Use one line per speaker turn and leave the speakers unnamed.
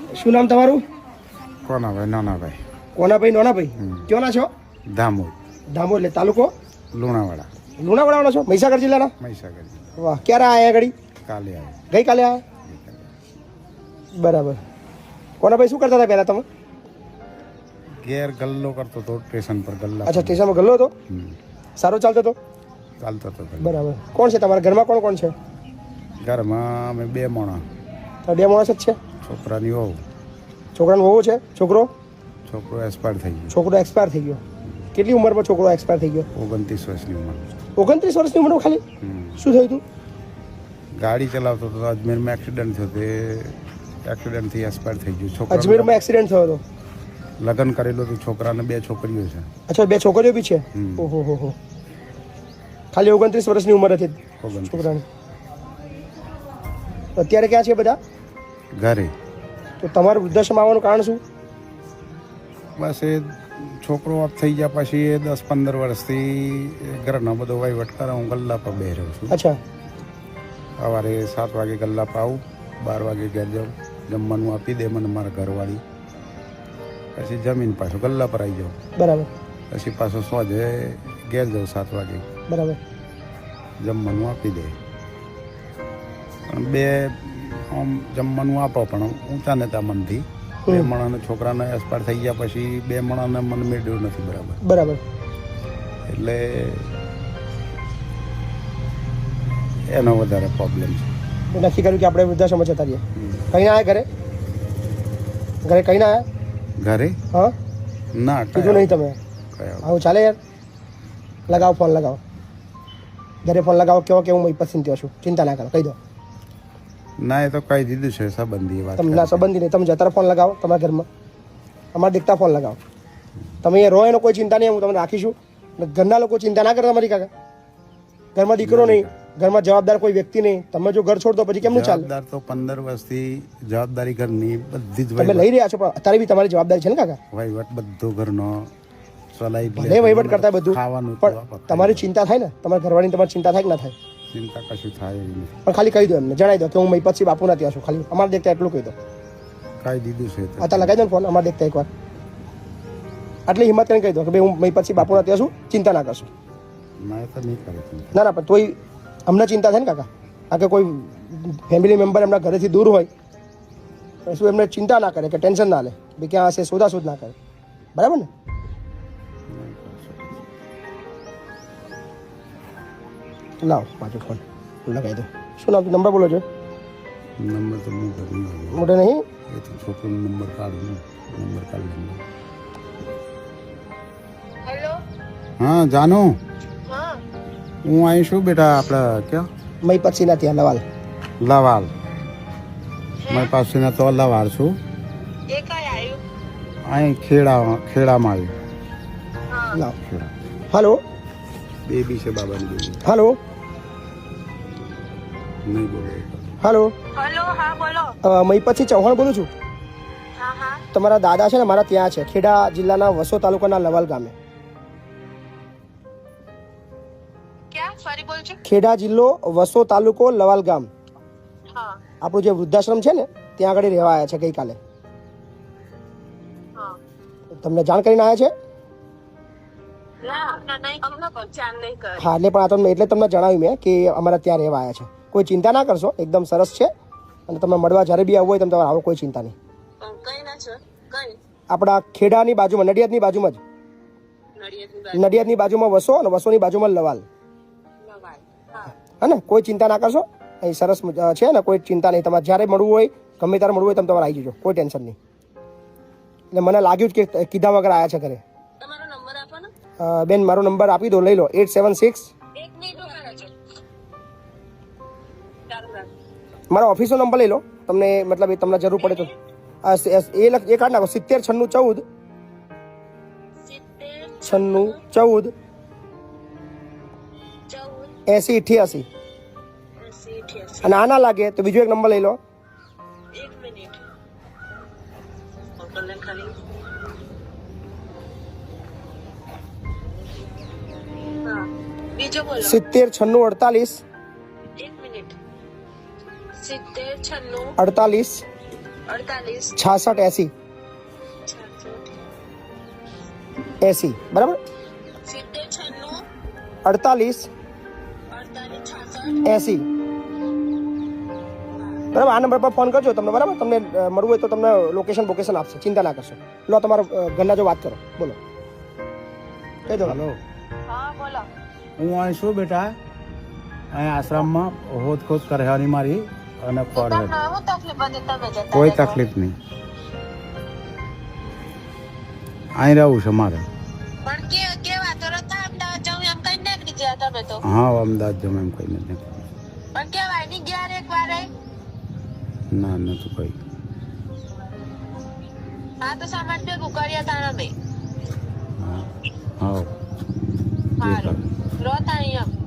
શું નામ તમારું?
કોનાભાઈ નાનાભાઈ.
કોનાભાઈ નાનાભાઈ ક્યોંના છો?
દામોદ.
દામોદ એટલે તાલુકો
લુણાવાડા.
લુણાવાડાના છો? મહીસાગર જિલ્લાના?
મહીસાગર.
વાહ, ક્યારે આયા ઘડી?
કાલે આવે.
ગઈકાલે આયા? બરાબર. કોનાભાઈ શું કરતા હતા પહેલા તમે?
ઘેર ગલ્લો કરતો હતો સ્ટેશન પર ગલ્લા.
અચ્છા, સ્ટેશનમાં ગલ્લો હતો? સારો ચાલતો હતો?
ચાલતો હતો.
બરાબર. કોણ છે તમારા ઘરમાં? કોણ કોણ છે?
ઘરમાં અમે 2 માણસ.
તો 2 માણસ જ છે?
છોકરાની વહુ.
છોકરાનો વહુ છે? છોકરો
એક્સપાયર થઈ ગયો.
છોકરો એક્સપાયર થઈ ગયો. કેટલી ઉંમરમાં છોકરો એક્સપાયર થઈ ગયો?
29 વર્ષની ઉંમર.
29 વર્ષની ઉંમરમાં ખાલી? શું થયું હતું?
ગાડી ચલાવતો હતો, અજમેરમાં એક્સિડન્ટ થયો. તે એક્સિડન્ટથી એક્સપાયર થઈ ગયો. છોકરા
અજમેરમાં એક્સિડન્ટ થયો હતો?
લગ્ન કરેલું હતું. છોકરાને 2 છોકરીઓ છે.
અચ્છા, 2 છોકરીઓ બી છે? ઓહો હો. ખાલી 29 વર્ષની ઉંમર હતી છોકરાની. અત્યારે ક્યાં છે બધા?
ઘરે.
તો તમારું વૃદ્ધાશ્રમ આવવાનું કારણ શું?
બસ એ છોકરો ઓફ થઈ ગયા પછી એ 10-15 વર્ષથી ઘરનો બધો વહીવટ કરે. હું ગલ્લા પર બે રહ્યો છું.
અચ્છા.
સવારે 7 વાગે ગલ્લા પર આવું, 12 વાગે ઘેર જાઉં, જમવાનું આપી દે મને મારા ઘરવાળી. પછી જમીન પાછું ગલ્લા પર આવી જાઉં.
બરાબર.
પછી પાછો સોજે ઘેર જાઉં 7 વાગે.
બરાબર.
જમવાનું આપી દે. પણ 2 આમ જમવાનું આપો પણ ઊંચા નેતા મનથી. 2 માણસને છોકરાને એક્સપાયર થઈ ગયા પછી 2 માણસને મન મેળવ્યું નથી. બરાબર.
બરાબર.
એટલે એનો વધારે પ્રોબ્લેમ છે.
નક્કી કર્યું કે આપણે વૃદ્ધાશ્રમ જતા રહીએ. કઈ ના આવ્યા ઘરે? ઘરે કઈ ના આવ્યા?
ઘરે
હા
ના
કીધું નહીં તમે? આવું ચાલે યાર? લગાવો ફોન, લગાવો ઘરે ફોન લગાવો. કેવો કે હું પસંદ થયો છું, ચિંતા ના કરો, કહી દો.
ના એ તો કહી દીધું છે સંબંધી વાત.
તમે ના સંબંધી નહીં, તમે જતા ફોન લગાવો તમારા ઘરમાં. અમારા દેખતા ફોન લગાવો. તમે અહીંયા રહો એનો કોઈ ચિંતા નહીં, હું તમને રાખીશું. ઘરના લોકો ચિંતા ના કરે તમારી. કાકા ઘરમાં દીકરો નહીં, ઘરમાં જવાબદાર કોઈ વ્યક્તિ નહીં. તમે જો ઘર છોડ દો પછી કેમનું ચાલે?
જવાબદાર તો 15 વર્ષથી જવાબદારી ઘરની બધી જ
તમે લઈ રહ્યા છો, પણ અત્યારે બી તમારી જવાબદારી છે ને કાકા?
વહીવટ બધો ઘરનો ચલાવી
ભલે વહીવટ કરતા બધું,
ખાવાનું
પણ તમારી ચિંતા થાય ને? તમારા ઘરવાળીની તમારી ચિંતા થાય કે ના થાય?
ચિંતા કશું થાય એવી નથી.
પણ ખાલી કહી દો એમને, જણાવી દો કે હું મહીપતસિંહ બાપુના ત્યાં છું. ખાલી અમારે દેખતા એટલું કહી દો.
કહી દીધું છે.
અત્યારે લગાવી દો ને ફોન, અમારે દેખતા એકવાર. આટલી હિંમત કરીને કહી દો કે ભાઈ હું મહીપતસિંહ બાપુના ત્યાં છું, ચિંતા ના કરશો.
ના એ તો નહીં કરે.
ના ના, પણ તોય અમને ચિંતા થાય ને કાકા. આ કે કોઈ ફેમિલી મેમ્બર એમના ઘરેથી દૂર હોય શું એમને ચિંતા ના કરે કે ટેન્શન ના લે ભાઈ ક્યાં હશે, શોધાશોધ ના કરે. બરાબર ને? લાવો પાછો ફોન લગાવી દો. શું નામ? નંબર બોલો છો?
નંબર તો
મોટે નહીં.
એ તો છોકરીનો નંબર કાઢું. નંબર કાઢી.
હેલો.
હા જાનુ,
હા
હું અહીં છું બેટા. આપણે ક્યાં?
મહીપતસિંહના ત્યાં લવાલ.
લવાલ. મારી પાસેના તો લવાલ છું.
એ કઈ આવ્યું?
અહીં ખેડામાં આવ્યું.
હા
લાવો.
ખેડા
હલો.
બેબી છે બાબાની બેબી.
હલો.
નહીં બોલો.
હલો.
હેલો. હા બોલો.
મહીપતસિંહ ચૌહાણ બોલું છું.
હા હા.
તમારા દાદા છે ને મારા ત્યાં છે, ખેડા જિલ્લાના વસો તાલુકાના લવાલ ગામે.
ક્યાં? ફરી બોલજો.
ખેડા જિલ્લો, વસો તાલુકો, લવાલ ગામ.
હા
આપણું જે વૃદ્ધાશ્રમ છે ને ત્યાં આગળ રહેવા આવ્યા છે ગઈકાલે.
હા.
તમને જાણ કરીને આવ્યા છે?
ના નહીં, અમને પચાન નહીં કરે.
હા, એટલે પણ આ તમને એટલે તમને જણાવ્યું મેં કે અમારા ત્યાં રહેવા આવ્યા છે. કોઈ ચિંતા ના કરશો, એકદમ સરસ છે. અને તમે મળવા જ્યારે બી આવવું હોય તમે આવો, કોઈ ચિંતા નહીં.
કઈ ના છે? કઈ?
આપણા ખેડાની બાજુમાં, નડિયાદની બાજુમાં જ. નડિયાદની બાજુમાં વસો અને વસોની બાજુમાં લવાલ. હા ને, કોઈ ચિંતા ના કરશો. અહીં સરસ છે ને, કોઈ ચિંતા નહીં. તમારે જ્યારે મળવું હોય, ગમે ત્યારે મળવું હોય તમે તમારે આવી જજો, કોઈ ટેન્શન નહીં. એટલે મને લાગ્યું જ કે કીધા વગર આવ્યા છે ઘરે.
તમારો નંબર આપો ને.
બેન મારો નંબર આપી દો, લઈ લો. 876.
એક મિનિટ ઉભા રહેજો. ચાલુ રાખ.
મારા ઓફિસનો નંબર લઈ લો, તમને મતલબ એ તમને જરૂર પડે તો. એ કાઢ નાખો. 70 96 14 96 14 80 88. અને આ ના લાગે તો બીજો એક નંબર લઈ લો.
એક મિનિટ. ખાલી. હા બીજો બોલો.
70 96 48.
એક મિનિટ. 70 96
48
48
66 80 બરાબર
70 96
48
48 66
80 બરાબર. આ નંબર પર ફોન કરજો તમને, બરાબર. તમને મળવું હોય તો તમને લોકેશન આપશે, ચિંતા ના કરશો. લો તમારો ઘરના જો વાત કરો, બોલો કહી દો.
હલો,
હા બોલો.
હું અહીં છું બેટા, અહીં આશ્રમમાં હોદખોદ કરવાની મારી અને ફળ
તમને શું તકલીફ હતી તમે જતા
કોઈ
રહ્યા તો?
તકલીફ નહીં, અહીં રહેવું છે મારે.
પણ કેવા તો રતા અમદાવાદ જાઉં એમ કઈ નીકળી ગયા તમે તો.
હા, અમદાવાદ જમ એમ કઈ નથી.
પણ કેવાય નહીં ગયા એક વાર
ના, નથી કઈ.
હા તો સામાન ભેગું કર્યા તા અમે.
હા, હા,
સારું રોતા અહીં એમ.